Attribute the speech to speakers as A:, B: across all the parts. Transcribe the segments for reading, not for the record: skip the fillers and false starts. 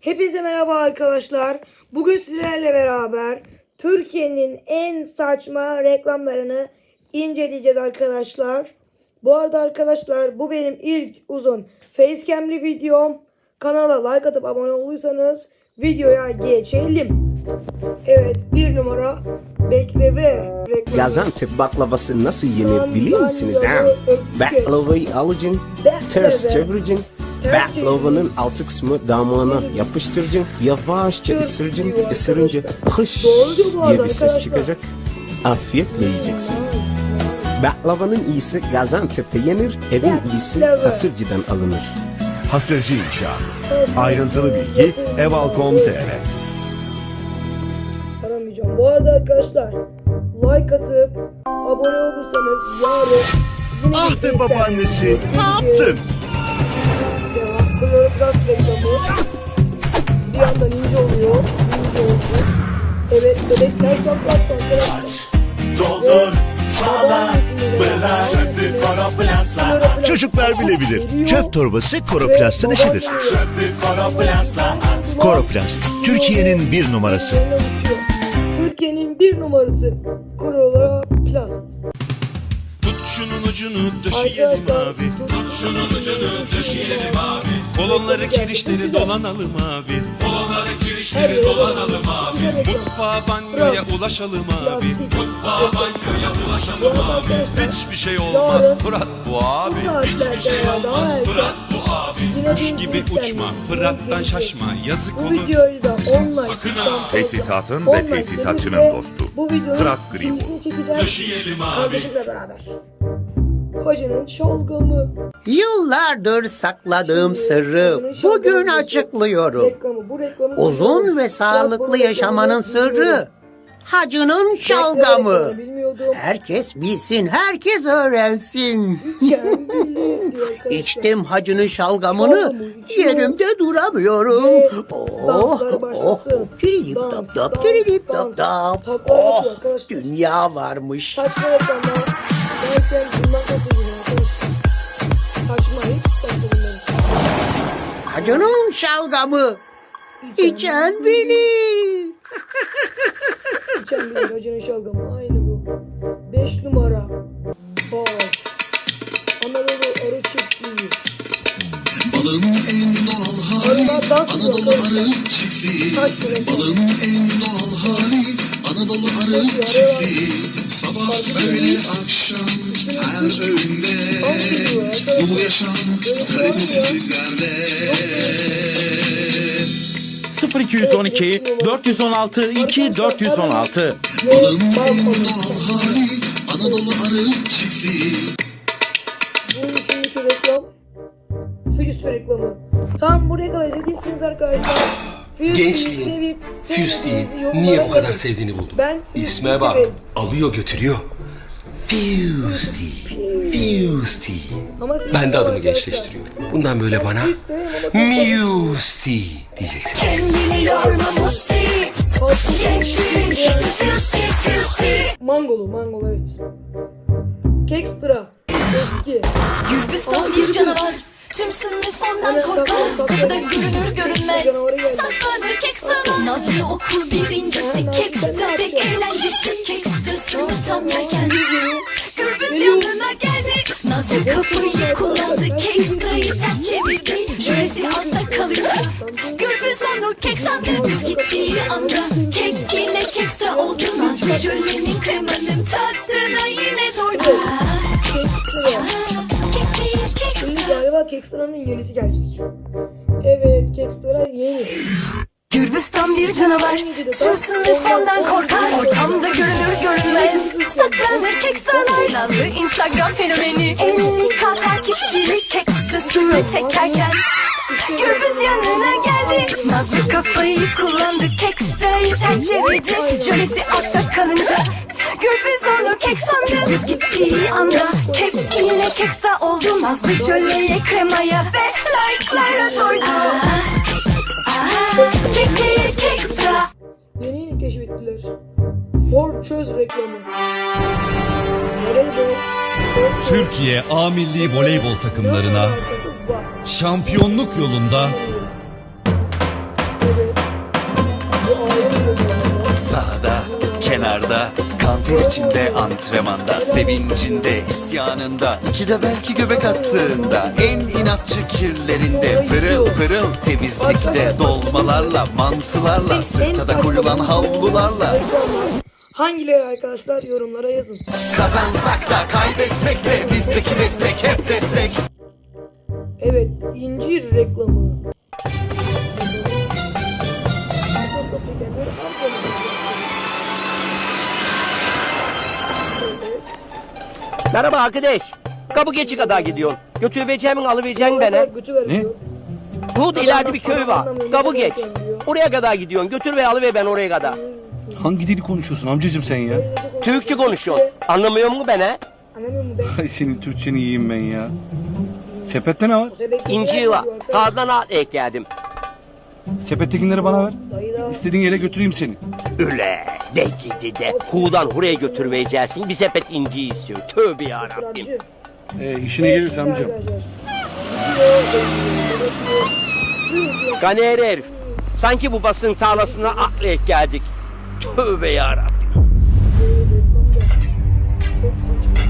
A: Hepinize merhaba arkadaşlar. Bugün sizlerle beraber Türkiye'nin en saçma reklamlarını inceleyeceğiz arkadaşlar. Bu arada arkadaşlar bu benim ilk uzun facecam'li videom. Kanala like atıp abone olursanız videoya geçelim. Evet, bir numara bekleme reklamı.
B: Gaziantep baklavası nasıl yenir biliyor musunuz ha? Baklavayı alacaksın, ters çevireceksin. Baklavanın altı kısmı damağına yapıştıracaksın. Yavaşça ısıracaksın. Isırınca hış diye bir ses çıkacak. Afiyetle yiyeceksin. Baklavanın iyisi Gaziantep'te yenir, evin iyisi Hasırcı'dan alınır.
C: Hasırcı İnşaat. Ayrıntılı bilgi eval.com.tr.
A: Aramayacağım. Bu arada arkadaşlar like atıp abone olursanız yarın yine
C: Ah be babaannesi, ne yaptın?
A: Kloroplast reklamı bir anda ninja oluyor. Ninja oldu. Evet, bebekler saklattan
C: Doldur, bağla, bırak, çöpü koroplastla. Çocuklar bilebilir. Çöp torbası koroplastın işidir. Çöpü koroplastla at. Koroplast, Türkiye'nin bir numarası.
A: Türkiye'nin bir numarası Koroplast.
D: Tut şunun ucunu döşeyelim abi. Tut şunun ucunu döşeyelim abi. Kolonları kirişleri dolanalım abi. Kolonları kirişleri dolanalım abi. Mutfağa banyoya ulaşalım abi. Mutfağa banyoya ulaşalım abi. Hiçbir şey olmaz Fırat bu abi. Hiçbir şey olmaz Fırat bu abi. Kuş gibi uçma, Fırat'tan şaşma, yazık
A: Bu
D: olur.
A: videoyu da online
E: Tesisatın ve tesisatçının dostu. Fırat Green.
D: Döşeyelim abi.
A: Kardeşimle beraber. Hacının şalgamı.
F: Yıllardır sakladığım sırrı bugün açıklıyorum.
A: Reklamı, bu reklamı
F: Uzun ve sağlıklı yaşamanın sırrı hacının şalgamı.
A: Bilmiyordum.
F: Herkes bilsin, herkes öğrensin.
A: İçen bilir diyor arkadaşlar.
F: İçtim hacının şalgamını, yerimde duramıyorum.
A: Danslar başlasın.
F: Tiridip
A: Dans,
F: dap dap,
A: dans,
F: tiridip
A: dans.
F: dap dap.
A: Tatlar
F: Oh,
A: yapıyor arkadaşlar.
F: dünya varmış.
A: Saçma reklamlar. Derken bundan bahsediyorum arkadaşlar. Saçma, hiç saçma bunların.
F: Hacının şalgamı, içen bilir.
A: İçen bilir hacının şalgamı. Aynı bu. 5 numara. Bal. Anadolu arı çiftliği.
G: Balın en doğal hali
A: Arılar dans ediyor
G: Anadolu
A: arkadaşlar.
G: arı çiftliği.
A: Saçma reklam.
G: Balın en doğal hali Anadolu arı çiftliği. Sabah öğle akşam her öğünde bu yaşam kalitesi sizlerle.
H: 0212 416 2416.
G: Balın en doğal hali Anadolu arı çiftliği.
A: Bunun şimdiki reklam Füste reklamı. Tam buraya kadar izlediyseniz arkadaşlar
I: Gençliğin Fusty'yi niye bu kadar sevdiğini buldum.
A: Ben
I: İsme bak, alıyor götürüyor. Fusty, Fusty. Ben de adımı gençleştiriyorum. Bundan böyle bana Musty diyeceksin.
J: Kendini yorma Musti. Gençliğin şatı Fusti.
A: Mangolu evet. Kekstra eski.
J: Gürbüstan bir canavar. Tüm sınıf ondan korkar. Kapıda görünür görünmez. Saklanır Kekstra'dan. Nazlı okur birincisi. Kekstra pek eğlencesi. Kekstra'sını tam yerken Gürbüz yanına geldi. Nazlı kapıyı kullandı. Kekstra'yı ters çevirdi. Jölesi altta kalıyor. Gürbüz onu kek sandı. Biz gittiği anda kek yine Kekstra oldu. Nazlı jölenin kremanın tadına yine doydu.
A: Şimdi galiba Kekstra'nın yenisi gelecek. Evet, Kekstra yeni.
J: Gürbüz tam bir canavar. Tüm sınıf ondan korkar. Ortamda görünür görünmez. Saklanır Kekstralar. Nazlı Instagram fenomeni. 50K takipçili Kekstra'sını çekerken Gürbüz yanına geldi. Nazlı kafayı kullandı. Kekstra'yı ters çevirdi. Jölesi altta kalınca Gürbüz onu kek sandı. Biz gittiği anda kek yine Kekstra oldu. Nazlı jöleye kremaya ve like'lara doydu. Kek değil Kekstra.
A: Yeni keşfettiler. Hor çöz reklamı.
H: Türkiye A Milli Voleybol takımlarına şampiyonluk yolunda kenarda, kanter içinde antrenmanda, sevincinde, isyanında, iki de belki göbek attığında, en inatçı kirlerinde, pırıl pırıl temizlikte, dolmalarla, mantılarla, sırta da koyulan havlularla.
A: Hangileri arkadaşlar yorumlara yazın.
H: Kazansak da kaybetsek de bizdeki destek hep destek.
A: Evet, incir reklamı.
F: Merhaba arkadaş. Kapı geçi kadar gidiyorsun. Götüreceğimin alıvereceğin bana.
A: Ne?
F: Burada ileride bir köy var. Kapı geç. Oraya kadar gidiyorsun. Götür ve alıver ben oraya kadar.
C: Hangi dili konuşuyorsun amcacım sen ya?
F: Türkçe konuşuyorsun. Anlamıyor musun beni?
A: Anlamıyor musun ben?
C: Ay senin Türkçeni yiyeyim ben ya. Sepette ne var?
F: İncir var. Kağıdan al ekledim.
C: Sepettekileri bana ver. İstediğin yere götüreyim seni.
F: Öyle de gidi de. Hudan huraya götürmeyeceksin. Bir sepet inci istiyor. Tövbe yarabbim.
C: İşine gelirse amcam.
F: Ganer herif. Sanki bu basın tarlasına atlayıp geldik. Tövbe yarabbim.
A: Çok saçma.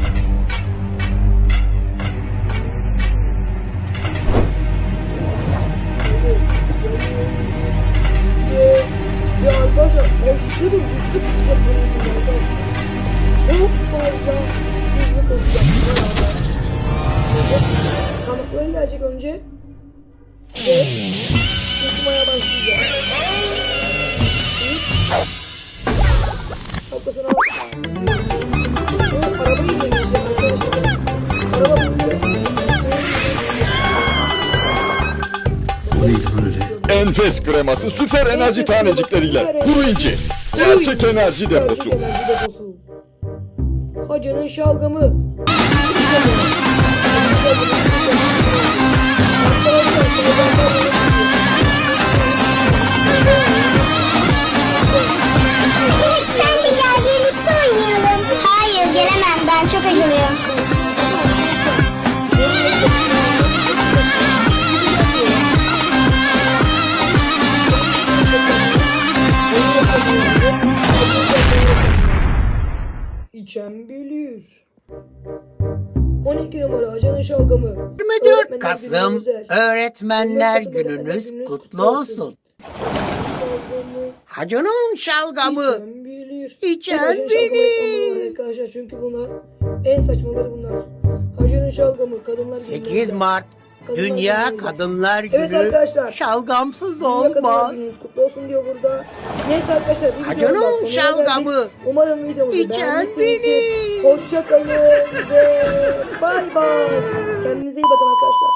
A: Ya arkadaşlar aşırı hızlı koşacak böyle arkadaşlar. Çok fazla hızlı koşacak. Kanatları gelecek önce. Ve uçmaya başlayacak. Şapkasını al. O arabayı indirmişler arkadaşlar. Araba bindi.
I: O neydi böyle?
K: Enfes kreması süper enerji tanecikleriyle kuru inci. Gerçek enerji deposu.
A: Hacının şalgamı.
J: Sen de gel birlikte oynayalım. Hayır gelemem ben çok acılıyorum.
A: İçen bilir. 12 numara Hacının şalgamı.
F: 24 Kasım Öğretmenler Gününüz kutlu olsun. Hacının şalgamı.
A: İçen bilir.
F: İçen
A: Hacının şalgamı reklamı var arkadaşlar çünkü bunlar en saçmaları bunlar. Hacının şalgamı kadınlar
F: 8 Mart Dünya Kadınlar Günü.
A: Evet arkadaşlar.
F: Şalgamsız
A: Dünya Kadınlar
F: olmaz.
A: Gününüz kutlu olsun diyor burada. Neyse arkadaşlar bir
F: Hacının
A: videonun daha sonuna
F: şalgamı.
A: geldik. Umarım videomuzu
F: İçen
A: beğenmişsinizdir.
F: bilir.
A: Hoşça kalın ve bay bay. Kendinize iyi bakın arkadaşlar.